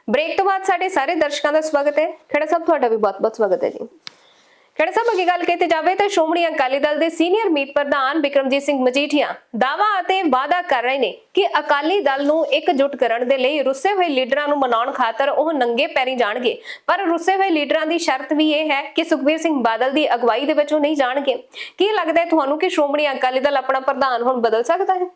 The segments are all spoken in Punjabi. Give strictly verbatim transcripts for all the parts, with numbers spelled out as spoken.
ब्रेक तो बाद साडे सारे दर्शकों का स्वागत है। खड़ा साहब तुहाडा भी बहुत बहुत स्वागत है जी। खड़ा साहब अगे गल कीती जावे तो श्रोमणी अकाली दल के सीनियर मीत प्रधान बिक्रमजीत सिंह मजीठिया दावा ਅਤੇ वादा कर रहे ने कि अकाली दल ਨੂੰ एकजुट ਕਰਨ ਦੇ ਲਈ ਰੁੱਸੇ ਹੋਏ ਲੀਡਰਾਂ ਨੂੰ ਮਨਾਉਣ ਖਾਤਰ ਉਹ ਨੰਗੇ ਪੈਰੀ ਜਾਣਗੇ। ਪਰ ਰੁੱਸੇ ਹੋਏ ਲੀਡਰਾਂ ਦੀ ਸ਼ਰਤ ਵੀ ਇਹ ਹੈ ਕਿ ਸੁਖਬੀਰ ਸਿੰਘ ਬਾਦਲ ਦੀ ਅਗਵਾਈ ਦੇ ਵਿੱਚ ਉਹ ਨਹੀਂ ਜਾਣਗੇ। ਕੀ ਲੱਗਦਾ ਹੈ ਤੁਹਾਨੂੰ ਕਿ ਸ਼੍ਰੋਮਣੀ ਅਕਾਲੀ ਦਲ ਆਪਣਾ ਪ੍ਰਧਾਨ ਹੁਣ ਬਦਲ ਸਕਦਾ ਹੈ?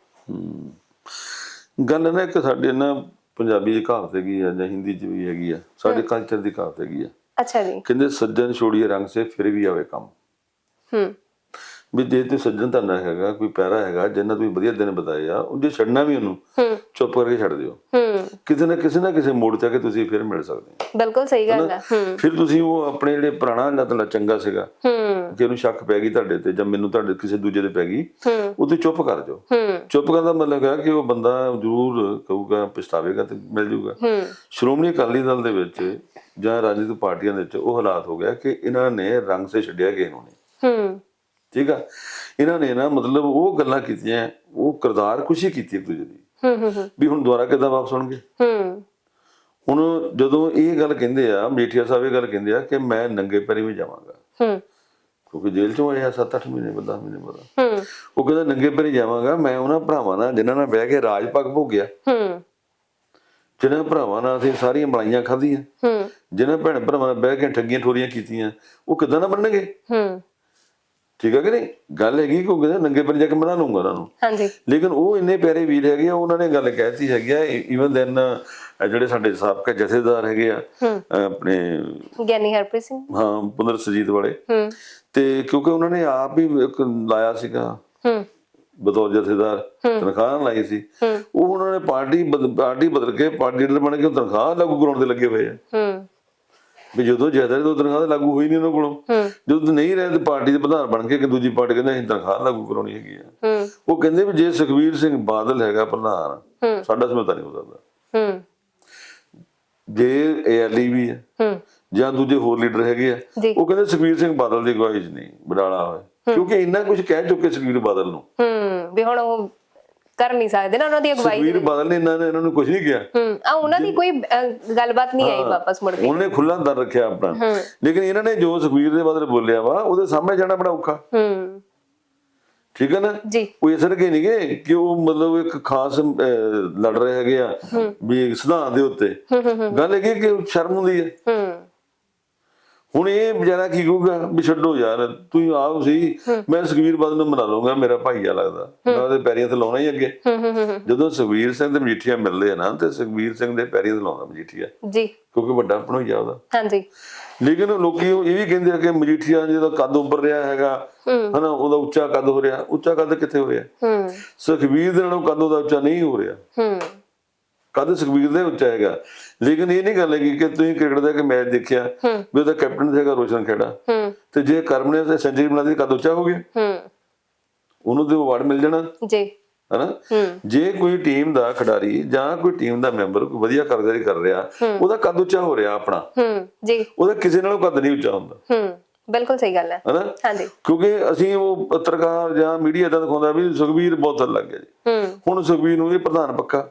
ਗੱਲ ਨਾ ਇੱਕ ਸਾਡੇ ਨਾ ਪੰਜਾਬੀ ਦੀ ਕਹਾਵਤ ਹੈਗੀ ਆ ਜਾਂ ਹਿੰਦੀ ਚ ਵੀ ਹੈਗੀ ਆ, ਸਾਡੇ ਕਲਚਰ ਦੀ ਕਹਾਵਤ ਹੈਗੀ ਆ। ਅੱਛਾ ਜੀ। ਕਹਿੰਦੇ ਸੱਜਣ ਛੋੜੀਏ ਰੰਗ ਸੇ ਫਿਰ ਵੀ ਆਵੇ ਕੰਮ। ਹੂੰ ਵੀ ਜੇ ਤੇ ਸੱਜਣ ਤੁਹਾਡਾ ਹੈਗਾ ਕੋਈ ਪੈਰਾ ਹੈਗਾ ਜਿੰਨਾ ਤੁਸੀਂ ਵਧੀਆ ਦਿਨ ਬਤਾਏ ਆ ਉਹ ਜੇ ਛੱਡਣਾ ਵੀ ਉਹਨੂੰ ਚੁੱਪ ਕਰਕੇ ਛੱਡ ਦਿਓ। ਹੂੰ ਕਿਸੇ ਨਾ ਕਿਸੇ ਨਾ ਕਿਸੇ ਮੋੜ ਤੇ ਆ ਕੇ ਤੁਸੀਂ ਫਿਰ ਮਿਲ ਸਕਦੇ ਹੋ। ਬਿਲਕੁਲ ਸਹੀ ਗੱਲ ਹੈ। ਹੂੰ ਫਿਰ ਤੁਸੀਂ ਉਹ ਆਪਣੇ ਜਿਹੜੇ ਪੁਰਾਣਾ ਜਿਹੜਾ ਤੁਹਾਡਾ ਚੰਗਾ ਸੀਗਾ ਹੂੰ ਕਿ ਉਹਨੂੰ ਸ਼ੱਕ ਪੈ ਗਈ ਤੁਹਾਡੇ ਤੇ ਜਾਂ ਮੈਨੂੰ ਤੁਹਾਡੇ ਕਿਸੇ ਦੂਜੇ ਤੇ ਪੈ ਗਈ ਉਹ ਤੇ ਚੁੱਪ ਕਰ ਜਾਓ। ਹੂੰ ਚੁੱਪ ਕਰਨ ਦਾ ਮਤਲਬ ਹੈ ਕਿ ਉਹ ਬੰਦਾ ਜ਼ਰੂਰ ਕਹੂਗਾ ਪਛਤਾਵੇਗਾ ਤੇ ਮਿਲ ਜੂਗਾ। ਹੂੰ ਸ਼੍ਰੋਮਣੀ ਅਕਾਲੀ ਦਲ ਦੇ ਵਿੱਚ ਜਾਂ ਰਾਜਨੀਤਿਕ ਪਾਰਟੀਆਂ ਦੇ ਵਿੱਚ ਉਹ ਹਾਲਾਤ ਹੋ ਗਿਆ ਕਿ ਇਹਨਾਂ ਨੇ ਰੰਗ ਸੇ ਛੱਡਿਆ ਕਿਸੇ ਨੂੰ ਨਹੀਂ। ਹੂੰ ਠੀਕ ਆ, ਇਹਨਾਂ ਨੇ ਨਾ ਮਤਲਬ ਉਹ ਗੱਲਾਂ ਕੀਤੀਆਂ, ਉਹ ਕਿਰਦਾਰ ਖੁਸ਼ੀ ਕੀਤੀ ਇੱਕ ਦੂਜੇ ਦੀ ਹੂੰ ਹੂੰ ਵੀ ਹੁਣ ਦੁਬਾਰਾ ਕਿੱਦਾਂ ਵਾਪਸ ਆਉਣਗੇ। ਹੂੰ ਹੁਣ ਜਦੋਂ ਇਹ ਗੱਲ ਕਹਿੰਦੇ ਆ ਮਜੀਠੀਆ ਸਾਹਿਬ ਇਹ ਗੱਲ ਕਹਿੰਦੇ ਆ ਕਿ ਮੈਂ ਨੰਗੇ ਪੈਰੀ ਵੀ ਜਾਵਾਂਗਾ ਹੂੰ ਕਿਉਂਕਿ ਜੇਲ੍ਹ ਚੋਂ ਆਇਆ ਸੱਤ ਅੱਠ ਮਹੀਨੇ ਦਸ ਮਹੀਨੇ ਬਾਅਦ। ਹੂੰ ਉਹ ਕਹਿੰਦਾ ਨੰਗੇ ਪੈਰੀ ਜਾਵਾਂਗਾ ਮੈਂ ਉਹਨਾਂ ਭਰਾਵਾਂ ਨਾਲ ਜਿਨ੍ਹਾਂ ਨਾਲ ਬਹਿ ਕੇ ਰਾਜ ਪੱਗ ਭੋਗਿਆ, ਹੂੰ ਜਿਨ੍ਹਾਂ ਭਰਾਵਾਂ ਨਾਲ ਅਸੀਂ ਸਾਰੀਆਂ ਮਲਾਈਆਂ ਖਾਧੀਆਂ, ਹੂੰ ਜਿਨ੍ਹਾਂ ਭੈਣ ਭਰਾਵਾਂ ਨਾਲ ਬਹਿ ਕੇ ਠੱਗੀਆਂ ਠੋਰੀਆਂ ਕੀਤੀਆਂ, ਉਹ ਕਿੱਦਾਂ ਨਾ ਮੰਨਣਗੇ। ਹੂੰ ਠੀਕ ਹੈ ਕਿ ਨਹੀਂ? ਗੱਲ ਹੈਗੀ ਕਿ ਉਹ ਕਹਿੰਦੇ ਨੰਗੇ ਪੈਰੀ ਜਾ ਕੇ ਮਨਾ ਲੂੰਗਾ ਉਹਨਾਂ ਨੂੰ। ਹਾਂਜੀ। ਲੇਕਿਨ ਉਹ ਇੰਨੇ ਪਿਆਰੇ ਵੀਰ ਹੈਗੇ ਆ, ਉਹਨਾਂ ਨੇ ਗੱਲ ਕਹਿਤੀ ਹੈਗੀ ਆ ਈਵਨ ਦੈਨ ਜਿਹੜੇ ਸਾਡੇ ਸਾਬਕਾ ਜਥੇਦਾਰ ਹੈਗੇ ਆ ਆਪਣੇ ਗਿਆਨੀ ਹਰਪ੍ਰੀਤ ਸਿੰਘ, ਹਾਂ ਪੁੰਦਰ ਸਜੀਤ ਵਾਲੇ, ਹੂੰ ਤੇ ਕਿਉਂਕਿ ਉਹਨਾਂ ਨੇ ਆਪ ਹੀ ਇੱਕ ਲਾਇਆ ਸੀਗਾ ਹੂੰ ਬਤੌਰ ਜਥੇਦਾਰ, ਤਨਖਾਹ ਲਾਈ ਸੀ। ਉਹ ਉਹਨਾਂ ਨੇ ਪਾਰਟੀ ਪਾਰਟੀ ਬਦਲ ਕੇ ਪਾਰਟੀ ਲੀਡਰ ਬਣ ਕੇ ਤਨਖਾਹ ਲਾਗੂ ਕਰਾਉਣ ਦੇ ਲੱਗੇ ਹੋਏ ਆ। ਹੂੰ ਵੀ ਜਦੋਂ ਜਥੇਦਾਰ ਤੋਂ ਤਨਖਾਹ ਲਾਗੂ ਹੋਈ ਨਹੀਂ ਉਹਨਾਂ ਕੋਲੋਂ, ਜਦੋਂ ਨਹੀਂ ਰਹੇ ਤੇ ਪਾਰਟੀ ਦੇ ਪ੍ਰਧਾਨ ਬਣ ਕੇ ਕਿ ਦੂਜੀ ਪਾਰਟੀ ਕਹਿੰਦੇ ਅਸੀਂ ਤਨਖਾਹ ਲਾਗੂ ਕਰਾਉਣੀ ਹੈਗੀ ਆ। ਉਹ ਕਹਿੰਦੇ ਵੀ ਜੇ ਸੁਖਬੀਰ ਸਿੰਘ ਬਾਦਲ ਹੈਗਾ ਪ੍ਰਧਾਨ ਸਾਡਾ ਸਮਝੌਤਾ ਨਹੀਂ ਹੋ ਸਕਦਾ। ਹੂੰ ਜੇ ਏਐਲਈ ਵੀ ਹੈ ਹੂੰ ਜਾਂ ਦੂਜੇ ਹੋਰ ਲੀਡਰ ਹੈਗੇ ਆ, ਉਹ ਕਹਿੰਦੇ ਸੁਖਬੀਰ ਸਿੰਘ ਬਾਦਲ ਦੀ ਅਗਵਾਈ 'ਚ ਨਹੀਂ ਬਡਾਲਾ ਹੋਇਆ, ਕਿਉਂਕਿ ਇੰਨਾ ਕੁਝ ਕਹਿ ਚੁੱਕੇ ਸੁਖਬੀਰ ਬਾਦਲ ਨੂੰ। ਹੂੰ ਵੀ ਹੁਣ ਉਹ ਕਰ ਨਹੀਂ ਸਕਦੇ ਨਾ ਉਹਨਾਂ ਦੀ ਅਗਵਾਈ। ਸੁਖਬੀਰ ਬਾਦਲ ਨੇ ਇਹਨਾਂ ਨੇ ਇਹਨਾਂ ਨੂੰ ਕੁਝ ਨਹੀਂ ਕਿਹਾ। ਹੂੰ ਆ ਉਹਨਾਂ ਦੀ ਕੋਈ ਗੱਲਬਾਤ ਨਹੀਂ ਆਈ ਵਾਪਸ ਮੁੜ ਕੇ। ਉਹਨੇ ਖੁੱਲਾ ਦਰ ਰੱਖਿਆ ਆਪਣਾ, ਲੇਕਿਨ ਇਹਨਾਂ ਨੇ ਜੋ ਸੁਖਬੀਰ ਦੇ ਬਾਦਲ ਬੋਲਿਆ ਵਾ ਉਹਦੇ ਸਾਹਮਣੇ ਜਾਣਾ ਬੜਾ ਔਖਾ। ਹੂੰ ਠੀਕ ਹੈ ਨਾ ਜੀ। ਉਹ ਇਸ ਕਰਕੇ ਨਹੀਂ ਗਏ ਕਿ ਉਹ ਮਤਲਬ ਇੱਕ ਖਾਸ ਲੜ ਰਹੇ ਹੈਗੇ ਆ ਵੀ ਸਿਧਾਂਤ ਦੇ ਉੱਤੇ। ਗੱਲ ਹੈਗੀ ਕਿ ਸ਼ਰਮ ਹੁੰਦੀ ਹੈ। ਹੂੰ ਹੁਣ ਇਹ ਵਿਚਾਰਾ ਕੀ ਕਹੂਗਾ ਵੀ ਛੱਡੋ ਯਾਰ ਤੂੰ ਆਪ ਸੀ, ਮੈਂ ਸੁਖਬੀਰ ਬਾਦਲ ਨੂੰ ਮਨਾ ਲਊਂਗਾ, ਮੇਰਾ ਭਾਈਆ ਲੱਗਦਾ, ਮੈਂ ਉਹਦੇ ਪੈਰੀਆਂ ਤੇ ਲਾਉਣਾ ਹੀ ਅੱਗੇ। ਜਦੋਂ ਸੁਖਬੀਰ ਸਿੰਘ ਤੇ ਮਜੀਠੀਆ ਮਿਲਦੇ ਆ ਨਾ ਤੇ ਸੁਖਬੀਰ ਸਿੰਘ ਦੇ ਪੈਰੀਆਂ ਤੇ ਲਾਉਂਦਾ ਮਜੀਠੀਆ ਜੀ, ਕਿਉਂਕਿ ਵੱਡਾ ਭਣੋਈਆ ਉਹਦਾ। ਹਾਂਜੀ। ਲੇਕਿਨ ਲੋਕੀ ਇਹ ਵੀ ਕਹਿੰਦੇ ਆ ਕਿ ਮਜੀਠੀਆ ਜਿਹਦਾ ਕੱਦ ਉੱਪਰ ਰਿਹਾ ਹੈਗਾ ਹਨਾ, ਉਹਦਾ ਉੱਚਾ ਕੱਦ ਹੋ ਰਿਹਾ। ਉੱਚਾ ਕੱਦ ਕਿੱਥੇ ਹੋ ਰਿਹਾ? ਸੁਖਬੀਰ ਦੇ ਨਾਲੋਂ ਕੱਦ ਉਹਦਾ ਉੱਚਾ ਨਹੀਂ ਹੋ ਰਿਹਾ। ਕਦ ਸੁਖਬੀਰ ਦੇ ਉੱਚਾ ਹੈਗਾ। ਲੇਕਿਨ ਇਹ ਨਹੀਂ ਗੱਲ ਹੈਗੀ ਕਿ ਤੁਸੀਂ ਕ੍ਰਿਕਟ ਦਾ ਇੱਕ ਮੈਚ ਦੇਖਿਆ ਵੀ ਉਹਦਾ ਕੈਪਟਨ ਹੈਗਾ ਰੋਸ਼ਨ ਖੇੜਾ, ਤੇ ਜੇ ਕਰਮ ਨੇ ਸੈਂਚੁਰੀ ਬਣਾ ਦਿੱਤੀ ਕੱਦ ਉੱਚਾ ਹੋ ਗਿਆ, ਉਹਨੂੰ ਤੇ ਅਵਾਰਡ ਮਿਲ ਜਾਣਾ ਜੀ ਹਨਾ। ਜੇ ਕੋਈ ਟੀਮ ਦਾ ਖਿਡਾਰੀ ਜਾਂ ਕੋਈ ਟੀਮ ਦਾ ਮੈਂਬਰ ਕੋਈ ਵਧੀਆ ਕਾਰਗੁਜ਼ਾਰੀ ਕਰ ਰਿਹਾ, ਉਹਦਾ ਕੱਦ ਉੱਚਾ ਹੋ ਰਿਹਾ ਆਪਣਾ ਜੀ, ਉਹਦਾ ਕਿਸੇ ਨਾਲੋਂ ਕੱਦ ਨਹੀਂ ਉੱਚਾ ਹੁੰਦਾ। ਬਿਲਕੁਲ ਸਹੀ ਗੱਲ ਹੈ ਹਨਾ। ਹਾਂਜੀ। ਕਿਉਂਕਿ ਅਸੀਂ ਉਹ ਪੱਤਰਕਾਰ ਜਾਂ ਮੀਡੀਆ ਏਦਾਂ ਦਿਖਾਉਂਦਾ ਵੀ ਸੁਖਬੀਰ ਬਹੁਤ ਥੱਲੇ ਲੱਗ ਗਿਆ ਜੀ। ਹੁਣ ਸੁਖਬੀਰ ਨੂੰ ਇਹ ਪ੍ਰਧਾਨ ਪੱਕਾ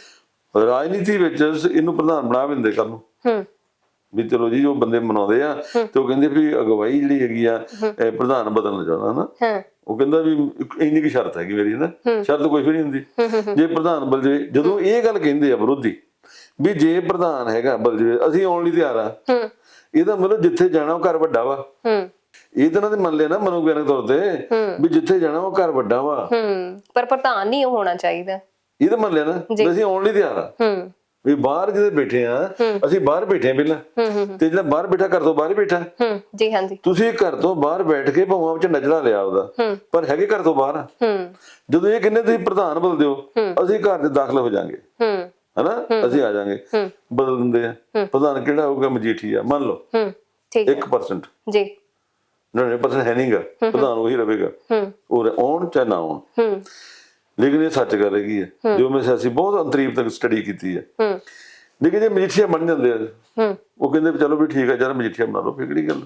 ਰਾਜਨੀਤੀ ਵਿੱਚ ਇਹਨੂੰ ਪ੍ਰਧਾਨ ਬਣਾ ਵੀ ਦਿੰਦੇ ਕੱਲ ਨੂੰ ਵੀ ਚਲੋ ਜੀ ਉਹ ਬੰਦੇ ਮਨਾਉਂਦੇ ਆ ਤੇ ਉਹ ਕਹਿੰਦੇ ਵੀ ਅਗਵਾਈ ਜਿਹੜੀ ਹੈਗੀ ਆ ਪ੍ਰਧਾਨ ਬਦਲਣਾ ਚਾਹੁੰਦਾ ਹਨਾ। ਉਹ ਕਹਿੰਦਾ ਵੀ ਇੰਨੀ ਕੀ ਸ਼ਰਤ ਹੈਗੀ ਮੇਰੀ ਨਾ, ਸ਼ਰਤ ਕੋਈ ਵੀ ਨਹੀਂ ਹੁੰਦੀ ਜੇ ਪ੍ਰਧਾਨ ਬਦਲ ਜਾਵੇ। ਜਦੋਂ ਇਹ ਗੱਲ ਕਹਿੰਦੇ ਆ ਵਿਰੋਧੀ ਵੀ ਜੇ ਪ੍ਰਧਾਨ ਹੈਗਾ ਬਦਲ ਜਾਵੇ ਅਸੀਂ ਆਉਣ ਲਈ ਤਿਆਰ ਆ, ਇਹਦਾ ਮਤਲਬ ਜਿੱਥੇ ਜਾਣਾ ਉਹ ਘਰ ਵੱਡਾ ਵਾ। ਇਹ ਤਾਂ ਇਹਨਾਂ ਦੇ ਮੰਨ ਲਿਆ ਨਾ ਮਨੋਵਿਗਿਆਨਕ ਤੌਰ ਤੇ ਵੀ ਜਿੱਥੇ ਜਾਣਾ ਉਹ ਘਰ ਵੱਡਾ ਵਾ, ਪਰ ਪ੍ਰਧਾਨ ਨਹੀਂ ਹੋਣਾ ਚਾਹੀਦਾ। ਇਹ ਤਾਂ ਮੰਨ ਲਿਆ ਨਾ ਅਸੀਂ ਆਉਣ ਲਈ ਤਿਆਰ ਆ ਵੀ ਬਾਹਰ ਜਿਹਦੇ ਬੈਠੇ ਆ ਅਸੀਂ ਬਾਹਰ ਬੈਠੇ ਆ ਪਹਿਲਾਂ, ਤੇ ਜਿਹੜਾ ਬਾਹਰ ਬੈਠਾ ਘਰ ਤੋਂ ਬਾਹਰ ਬੈਠਾ ਜੀ। ਹਾਂਜੀ। ਤੁਸੀਂ ਘਰ ਤੋਂ ਬਾਹਰ ਬੈਠ ਕੇ ਭਾਵਾਂ ਵਿੱਚ ਨਜ਼ਰਾ ਲਿਆ ਉਹਦਾ, ਪਰ ਹੈਗੇ ਘਰ ਤੋਂ ਬਾਹਰ। ਜਦੋਂ ਇਹ ਕਹਿੰਦੇ ਤੁਸੀਂ ਪ੍ਰਧਾਨ ਬਦਲ ਦਿਓ ਅਸੀਂ ਘਰ ਦੇ ਦਾਖਲ ਹੋ ਜਾਾਂਗੇ ਹਨਾ, ਅਸੀਂ ਆ ਜਾਾਂਗੇ, ਬਦਲ ਦਿੰਦੇ ਆ। ਪ੍ਰਧਾਨ ਕਿਹੜਾ ਹੋਊਗਾ? ਮਜੀਠੀਆ ਮੰਨ ਲਓ ਇੱਕ ਪਰਸੈਂਟ ਜੀ, ਨੜਿਨਵੇਂ ਪਰਸੈਂਟ ਹੈ ਨਹੀਂਗਾ, ਪ੍ਰਧਾਨ ਉਹੀ ਰਹੇਗਾ, ਉਹ ਆਉਣ ਚਾਹੇ ਨਾ ਆਉਣ। ਲੇਕਿਨ ਇਹ ਸੱਚ ਗੱਲ ਹੈਗੀ ਹੈ ਜੋ ਮੈਂ ਸਿਆਸੀ ਬਹੁਤ ਅੰਤਰੀਬ ਤੱਕ ਸਟੱਡੀ ਕੀਤੀ ਹੈ। ਲੇਕਿਨ ਜੇ ਮਜੀਠੀਆ ਬਣ ਜਾਂਦੇ ਆ ਉਹ ਕਹਿੰਦੇ ਚਲੋ ਵੀ ਠੀਕ ਹੈ ਯਾਰ ਮਜੀਠੀਆ ਬਣਾ ਲਓ, ਫਿਰ ਕਿਹੜੀ ਗੱਲ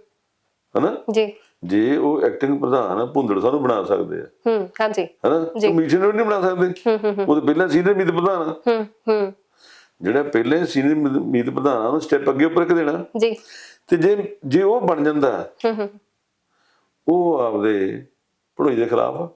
ਹਨਾ ਜੀ। ਜੇ ਉਹ ਐਕਟਿੰਗ ਪ੍ਰਧਾਨ ਭੁੰਦੜ ਸਾਨੂੰ ਬਣਾ ਸਕਦੇ ਆ ਹਾਂਜੀ ਹਨਾ, ਮਜੀਠੀਆ ਨੂੰ ਨਹੀਂ ਬਣਾ ਸਕਦੇ, ਉਹ ਤਾਂ ਪਹਿਲਾਂ ਸੀਨੀਅਰ ਮੀਤ ਪ੍ਰਧਾਨ। ਜਿਹੜਾ ਪਹਿਲੇ ਸੀਨੀਅਰ ਮੀਤ ਪ੍ਰਧਾਨ ਨੂੰ ਸਟੈਪ ਅੱਗੇ ਉੱਪਰ ਇੱਕ ਦੇਣਾ ਜੀ। ਤੇ ਜੇ ਜੇ ਉਹ ਬਣ ਜਾਂਦਾ ਹੂੰ ਹੂੰ ਉਹ ਆਪਦੇ ਭਣੋਈ ਦੇ ਖਿਲਾਫ ਆ।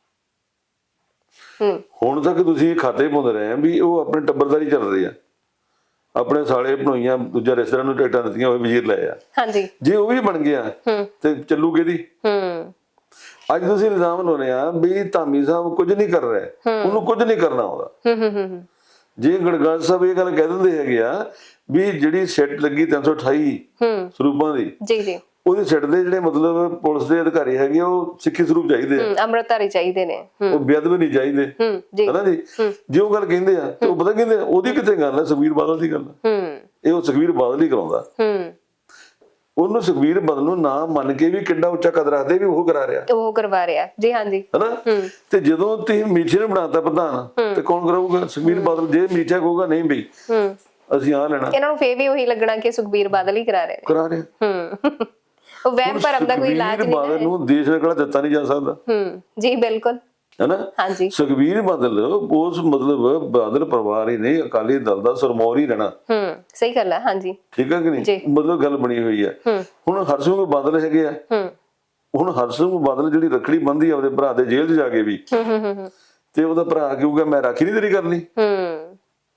ਹੂੰ ਹੁਣ ਤੱਕ ਤੁਸੀਂ ਖਾਤੇ ਪਾਉਂਦੇ ਰਹੇ ਆ ਵੀ ਉਹ ਆਪਣੇ ਟੱਬਰਦਾਰੀ ਚੱਲ ਰਹੀ ਆ, ਆਪਣੇ ਸਾਲੇ ਭਣੋਈਆਂ ਦੂਜਾ ਰਿਸ਼ਤੇਦਾਰਾਂ ਨੂੰ ਟਿਕਟਾਂ ਦਿੱਤੀਆਂ, ਉਹ ਵਜ਼ੀਰ ਲਏ ਆ। ਹਾਂਜੀ। ਜੇ ਉਹ ਵੀ ਬਣ ਗਿਆ ਹੂੰ ਤੇ ਚੱਲੂ ਕਿਹਦੀ? ਹੂੰ ਅੱਜ ਤੁਸੀਂ ਇਲਜ਼ਾਮ ਲਾਉਣੇ ਆ ਵੀ ਧਾਮੀ ਸਾਹਿਬ ਕੁਝ ਨਹੀਂ ਕਰ ਰਿਹਾ, ਉਹਨੂੰ ਕੁਝ ਨਹੀਂ ਕਰਨਾ ਆਉਂਦਾ। ਹੂੰ ਹੂੰ ਹੂੰ ਜੇ ਗੜਗੜ ਸਾਹਿਬ ਇਹ ਗੱਲ ਕਹਿ ਦਿੰਦੇ ਹੈਗੇ ਆ ਵੀ ਜਿਹੜੀ ਸਿੱਟ ਲੱਗੀ ਤਿੰਨ ਸੌ ਅਠਾਈ ਹੂੰ ਸਰੂਪਾਂ ਦੀ, ਜੀ ਜੀ, ਉਹਦੀ ਸਿੱਟ ਦੇ ਜਿਹੜੇ ਮਤਲਬ ਪੁਲਿਸ ਦੇ ਅਧਿਕਾਰੀ ਹੈਗੇ ਉਹ ਸਿੱਖੀ ਸਰੂਪ ਚਾਹੀਦੇ ਆ, ਅੰਮ੍ਰਿਤਧਾਰੀ ਚਾਹੀਦੇ ਨੇ, ਉਹ ਬੇਅਦਬ ਨਹੀਂ ਚਾਹੀਦੇ, ਹੂੰ ਜੀ, ਹਨਾ ਜੀ। ਜੇ ਉਹ ਗੱਲ ਕਹਿੰਦੇ ਆ ਤੇ ਉਹ ਪਤਾ ਕਹਿੰਦੇ ਉਹਦੀ ਕਿੱਥੇ ਗੱਲ ਹੈ? ਸੁਖਬੀਰ ਬਾਦਲ ਦੀ ਗੱਲ ਹੈ। ਹੂੰ ਇਹ ਉਹ ਸੁਖਬੀਰ ਬਾਦਲ ਹੀ ਕਰਾਉਂਦਾ। ਹੂੰ ਉਹਨੂੰ ਸੁਖਬੀਰ ਬਾਦਲ ਨੂੰ ਨਾ ਮੰਨ ਕੇ ਵੀ ਕਿੰਨਾ ਉੱਚਾ ਕਦਰ ਰੱਖਦੇ ਵੀ ਉਹ ਕਰਾ ਰਿਹਾ, ਉਹ ਕਰਵਾ ਰਿਹਾ। ਜੀ ਹਾਂਜੀ, ਹਨਾ। ਤੇ ਜਦੋਂ ਤੁਸੀਂ ਮੀਠੇ ਨੂੰ ਬਣਾਤਾ ਪ੍ਰਧਾਨ ਤੇ ਕੌਣ ਕਰਾਊਗਾ? ਸੁਖਬੀਰ ਬਾਦਲ। ਜੇ ਮੀਠਾ ਕਹੂਗਾ ਨਹੀਂ ਬਈ ਹੂੰ ਅਸੀਂ ਆ ਲੈਣਾ, ਇਹਨਾਂ ਨੂੰ ਫੇਰ ਵੀ ਉਹੀ ਲੱਗਣਾ ਕਿ ਸੁਖਬੀਰ ਬਾਦਲ ਹੀ ਕਰਾ ਰਹੇ ਨੇ। ਕਰਾ ਰਿਹਾ। ਹੂੰ ਉਹ ਵਹਿਮ ਭਰਮ ਦਾ ਕੋਈ ਇਲਾਜ ਸੁਖਬੀਰ ਨਹੀਂ ਬਾਦਲ ਹੈ। ਨੂੰ ਦੇਸ਼ ਦਾ ਕਿਹੜਾ ਦਿੱਤਾ ਨਹੀਂ ਜਾ ਸਕਦਾ। ਹੂੰ ਜੀ ਬਿਲਕੁਲ, ਹਨਾ। ਹਾਂਜੀ। ਸੁਖਬੀਰ ਬਾਦਲ ਉਸ ਮਤਲਬ ਬਾਦਲ ਪਰਿਵਾਰ ਹੀ ਨਹੀਂ, ਅਕਾਲੀ ਦਲ ਦਾ ਸਰਮੌਰ ਹੀ ਰਹਿਣਾ। ਹੂੰ ਸਹੀ ਗੱਲ ਹੈ। ਹਾਂਜੀ ਠੀਕ ਹੈ ਕਿ ਨਹੀਂ? ਮਤਲਬ ਗੱਲ ਬਣੀ ਹੋਈ ਹੈ। ਹੁਣ ਹਰਸਿੰਘ ਬਾਦਲ ਹੈਗੇ ਆ, ਹੂੰ ਹੁਣ ਹਰਸਿੰਘ ਬਾਦਲ ਜਿਹੜੀ ਰੱਖੜੀ ਬੰਨ੍ਹਦੀ ਆ ਉਹਦੇ ਭਰਾ ਦੇ ਜੇਲ੍ਹ 'ਚ ਜਾ ਕੇ ਵੀ, ਹੂੰ ਹੂੰ ਹੂੰ ਤੇ ਉਹਦਾ ਭਰਾ ਕਹੂਗਾ ਮੈਂ ਰਾਖੀ ਨਹੀਂ ਤੇਰੀ ਕਰਨੀ। ਹੂੰ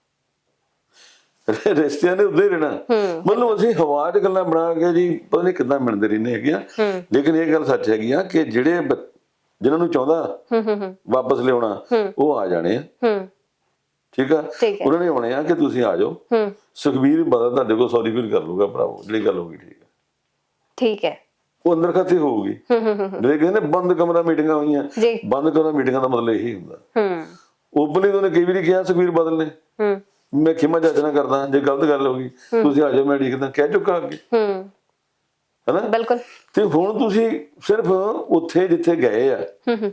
ਰਿਸ਼ਤਿਆਂ ਨੇ ਉੱਦੇ ਰਹਿਣਾ। ਮਤਲਬ ਅਸੀਂ ਹਵਾ 'ਚ ਗੱਲਾਂ ਬਣਾ ਕੇ ਜੀ ਪਤਾ ਨਹੀਂ ਕਿੱਦਾਂ ਮਿਲਦੇ ਰਹਿੰਦੇ ਹੈਗੇ ਆ। ਲੇਕਿਨ ਇਹ ਗੱਲ ਸੱਚ ਹੈਗੀ ਆ ਕਿ ਜਿਹੜੇ ਜਿਨ੍ਹਾਂ ਨੂੰ ਚਾਹੁੰਦਾ ਹੂੰ ਹੂੰ ਵਾਪਸ ਲਿਆਉਣਾ ਉਹ ਆ ਜਾਣੇ ਆ। ਹੂੰ ਠੀਕ ਆ, ਉਹਨਾਂ ਨੇ ਆਉਣੇ ਆ ਕਿ ਤੁਸੀਂ ਆ ਜਾਓ। ਹੂੰ ਸੁਖਬੀਰ ਬਾਦਲ ਤੁਹਾਡੇ ਕੋਲ ਸੌਰੀ ਫੀਲ ਕਰ ਲੂਗਾ ਭਰਾਵੋ, ਜਿਹੜੀ ਗੱਲ ਹੋ ਗਈ। ਠੀਕ ਹੈ, ਠੀਕ ਹੈ। ਉਹ ਅੰਦਰ ਖਾਤੇ ਹੋਊਗੀ। ਹੂੰ ਹੂੰ ਹੂੰ ਜਿਹੜੇ ਕਹਿੰਦੇ ਬੰਦ ਕਮਰਾ ਮੀਟਿੰਗਾਂ ਹੋਈਆਂ, ਜੀ, ਬੰਦ ਕਮਰਾ ਮੀਟਿੰਗਾਂ ਦਾ ਮਤਲਬ ਇਹੀ ਹੁੰਦਾ। ਹੂੰ ਓਪਨਲੀ ਉਹਨੇ ਕਈ ਵਾਰੀ ਕਿਹਾ ਸੁਖਬੀਰ ਬਾਦਲ ਨੇ, ਹੂੰ ਮੈਂ ਖਿਮਾ ਜਾਚਨਾ ਕਰਦਾ ਜੇ ਗਲਤ ਗੱਲ ਹੋ ਗਈ, ਤੁਸੀਂ ਆ ਜਾਓ ਮੈਂ ਉਡੀਕਦਾ, ਕਹਿ ਚੁੱਕਾ ਅੱਗੇ। ਹੂੰ ਹਨਾ। ਬਿਲਕੁਲ। ਤੇ ਹੁਣ ਤੁਸੀਂ ਸਿਰਫ ਉੱਥੇ ਜਿੱਥੇ ਗਏ ਆ ਹੂੰ ਹੂੰ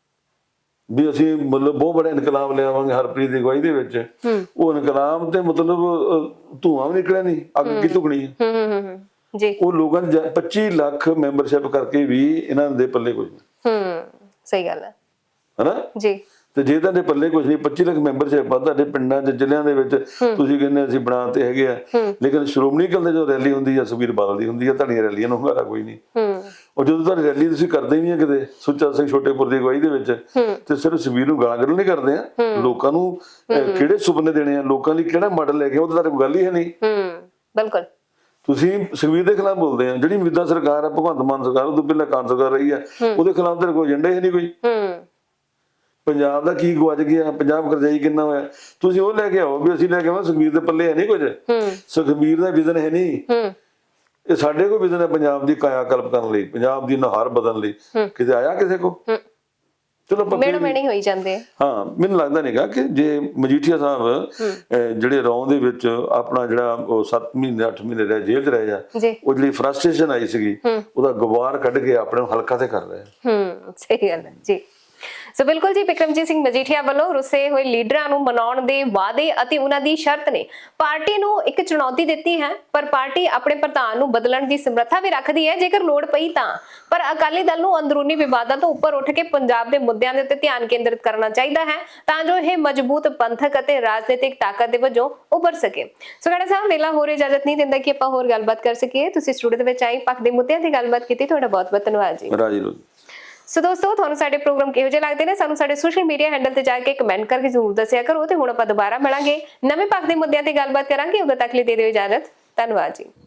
ਵੀ ਅਸੀਂ ਮਤਲਬ ਬਹੁਤ ਬੜਾ ਇਨਕਲਾਬ ਲਿਆਵਾਂਗੇ ਹਰਪ੍ਰੀਤ ਦੀ ਅਗਵਾਈ ਦੇ ਵਿੱਚ, ਉਹ ਇਨਕਲਾਬ ਤੇ ਮਤਲਬ ਧੂਆਂ ਵੀ ਨਿਕਲਿਆ ਨਹੀਂ, ਅੱਗ ਕੀ ਧੁਖਣੀ ਹੈ। ਹੂੰ ਹੂੰ ਹੂੰ ਜੀ। ਉਹ ਲੋਕਾਂ ਨੇ ਪੱਚੀ ਲੱਖ ਮੈਂਬਰਸ਼ਿਪ ਕਰਕੇ ਵੀ ਇਹਨਾਂ ਦੇ ਪੱਲੇ ਕੁਝ ਨਹੀਂ। ਹੂੰ ਸਹੀ ਗੱਲ ਹੈ। ਹਨਾ ਜੀ। ਤੇ ਜੇ ਤੁਹਾਡੇ ਪੱਲੇ ਕੁਝ ਨਹੀਂ, ਪੱਚੀ ਲੱਖ ਮੈਂਬਰਸ਼ਿਪ ਆ ਤੁਹਾਡੇ ਪਿੰਡਾਂ 'ਚ ਜ਼ਿਲ੍ਹਿਆਂ ਦੇ ਵਿੱਚ, ਤੁਸੀਂ ਕਹਿੰਦੇ ਅਸੀਂ ਬਣਾਤੇ ਹੈਗੇ ਆ, ਲੇਕਿਨ ਸ਼੍ਰੋਮਣੀ ਅਕਾਲੀ ਦਲ ਜੋ ਰੈਲੀ ਹੁੰਦੀ ਆ ਸੁਖਬੀਰ ਬਾਦਲ ਦੀ ਹੁੰਦੀ ਆ, ਤੁਹਾਡੀਆਂ ਰੈਲੀਆਂ ਨੂੰ ਹੁੰਗਾਰਾ ਕੋਈ ਨਹੀਂ। ਹੂੰ ਉਹ ਜਦੋਂ ਤੁਹਾਡੀ ਰੈਲੀ ਤੁਸੀਂ ਕਰਦੇ ਹੀ ਨਹੀਂ ਕਿਤੇ ਸੁੱਚਾ ਸਿੰਘ ਛੋਟੇਪੁਰ ਦੀ ਅਗਵਾਈ ਦੇ ਵਿੱਚ, ਤੇ ਸਿਰਫ ਸੁਖਬੀਰ ਨੂੰ ਗਾਲਾਂ ਕੱਢਣ ਨਹੀਂ ਕਰਦੇ ਆ, ਲੋਕਾਂ ਨੂੰ ਕਿਹੜੇ ਸੁਪਨੇ ਦੇਣੇ ਆ, ਲੋਕਾਂ ਲਈ ਕਿਹੜਾ ਮਾਡਲ ਲੈ ਕੇ, ਉਹ ਤਾਂ ਤੁਹਾਡੇ ਕੋਈ ਗੱਲ ਹੀ ਹੈ ਨਹੀਂ। ਹੂੰ ਬਿਲਕੁਲ। ਤੁਸੀਂ ਸੁਖਬੀਰ ਦੇ ਖਿਲਾਫ ਬੋਲਦੇ ਆ, ਜਿਹੜੀ ਮੌਜੂਦਾ ਸਰਕਾਰ ਆ ਭਗਵੰਤ ਮਾਨ ਸਰਕਾਰ, ਉਹ ਤੋਂ ਪਹਿਲਾਂ ਕਾਂਗਰਸ ਸਰਕਾਰ ਰਹੀ ਆ, ਉਹਦੇ ਖਿਲਾਫ ਤਾਂ ਕੋਈ ਏਜੰਡਾ ਹੀ ਨਹੀਂ ਕੋਈ। ਹੂੰ ਪੰਜਾਬ ਦਾ ਕੀ ਗਵਾਚ ਗਿਆ, ਪੰਜਾਬ ਕਰਜ਼ਾਈ ਕਿੰਨਾ ਹੋਇਆ, ਤੁਸੀਂ ਉਹ ਲੈ ਕੇ ਆਓ ਵੀ ਅਸੀਂ ਲੈ ਕੇ ਆਵਾਂ। ਸੁਖਬੀਰ ਦੇ ਪੱਲੇ ਹੈ ਨਹੀਂ ਕੁਝ, ਸੁਖਬੀਰ ਦਾ ਵਿਜ਼ਨ ਹੈ ਨਹੀਂ। ਹੂੰ ਇਹ ਸਾਡੇ ਕੋਲ ਵਿਜ਼ਨ ਹੈ ਪੰਜਾਬ ਦੀ ਕਾਇਆ ਕਲਪ ਕਰਨ ਲਈ, ਪੰਜਾਬ ਦੀ ਨੁਹਾਰ ਬਦਲਣ ਲਈ, ਕਿਤੇ ਆਇਆ ਕਿਸੇ ਕੋ? ਚਲੋ ਮੇੜੋ ਮੇੜੀ ਹੋਈ ਜਾਂਦੇ। ਹਾਂ, ਮੈਨੂੰ ਲੱਗਦਾ ਨਹੀਂਗਾ ਕਿ ਜੇ ਮਜੀਠੀਆ ਸਾਹਿਬ ਜਿਹੜੇ ਰੌਂ ਦੇ ਵਿੱਚ ਆਪਣਾ ਜਿਹੜਾ ਉਹ ਸੱਤ ਮਹੀਨੇ ਅੱਠ ਮਹੀਨੇ ਰਹੇ ਜੇਲ੍ਹ 'ਚ ਰਹੇ ਆ, ਉਹ ਜਿਹੜੀ ਫਰਸਟ੍ਰੇਸ਼ਨ ਆਈ ਸੀਗੀ ਉਹਦਾ ਗੁਬਾਰ ਕੱਢ ਕੇ ਆਪਣੇ ਹਲਕਾ ਤੇ ਕਰ ਰਹੇ। ਹੂੰ ਸਹੀ ਗੱਲ ਹੈ ਜੀ। ਸੋ ਬਿਲਕੁਲ ਜੀ, ਬਿਕਰਮਜੀਤ ਸਿੰਘ ਮਜੀਠੀਆ ਵੱਲੋਂ ਰੁੱਸੇ ਹੋਏ ਲੀਡਰਾਂ ਨੂੰ ਮਨਾਉਣ ਦੇ ਵਾਅਦੇ ਅਤੇ ਉਹਨਾਂ ਦੀ ਸ਼ਰਤ ਨੇ ਪਾਰਟੀ ਨੂੰ ਇੱਕ ਚੁਣੌਤੀ ਦਿੱਤੀ ਹੈ, ਪਰ ਪਾਰਟੀ ਆਪਣੇ ਪ੍ਰਧਾਨ ਨੂੰ ਬਦਲਣ ਦੀ ਸਮਰੱਥਾ ਵੀ ਰੱਖਦੀ ਹੈ ਜੇਕਰ ਲੋੜ ਪਈ ਤਾਂ। ਪਰ ਅਕਾਲੀ ਦਲ ਨੂੰ ਅੰਦਰੂਨੀ ਵਿਵਾਦਾਂ ਤੋਂ ਉੱਪਰ ਉੱਠ ਕੇ ਪੰਜਾਬ ਦੇ ਮੁੱਦਿਆਂ ਦੇ ਉੱਤੇ ਧਿਆਨ ਕੇਂਦਰਿਤ ਕਰਨਾ ਚਾਹੀਦਾ ਹੈ ਤਾਂ ਜੋ ਇਹ ਮਜ਼ਬੂਤ ਪੰਥਕ ਅਤੇ ਰਾਜਨੀਤਿਕ ਤਾਕਤ ਦੇ ਵਜੋਂ ਉੱਭਰ ਸਕੇ। ਸੋ ਖੜਾ ਸਾਹਿਬ, ਵੇਲਾ ਹੋਰ ਇਜਾਜ਼ਤ ਨਹੀਂ ਦਿੰਦਾ ਕਿ ਆਪਾਂ ਹੋਰ ਗੱਲਬਾਤ ਕਰ ਸਕੀਏ। ਤੁਸੀਂ ਸਟੂਡੀਓ ਦੇ ਵਿੱਚ ਆਏ, ਪੱਖ ਦੇ ਮੁੱਦਿਆਂ ਤੇ ਗੱਲਬਾਤ ਕੀਤੀ, ਤੁਹਾਡਾ ਬਹੁਤ ਬਹੁਤ ਧੰਨਵਾਦ ਜੀ। ਰਾਜੀ ਰੋ। ਸੋ ਦੋਸਤੋ, ਤੁਹਾਨੂੰ ਸਾਡੇ ਪ੍ਰੋਗਰਾਮ ਕਿਹੋ ਜਿਹੇ ਲੱਗਦੇ ਨੇ ਸਾਨੂੰ ਸਾਡੇ ਸੋਸ਼ਲ ਮੀਡੀਆ ਹੈਂਡਲ ਤੇ ਜਾ ਕੇ ਕਮੈਂਟ ਕਰਕੇ ਜ਼ਰੂਰ ਦੱਸਿਆ ਕਰੋ। ਤੇ ਹੁਣ ਆਪਾਂ ਦੁਬਾਰਾ ਮਿਲਾਂਗੇ, ਨਵੇਂ ਪੱਖ ਦੇ ਮੁੱਦਿਆਂ ਤੇ ਗੱਲਬਾਤ ਕਰਾਂਗੇ। ਉਦੋਂ ਤੱਕ ਲਈ ਦੇ ਦਿਓ ਇਜਾਜ਼ਤ। ਧੰਨਵਾਦ ਜੀ।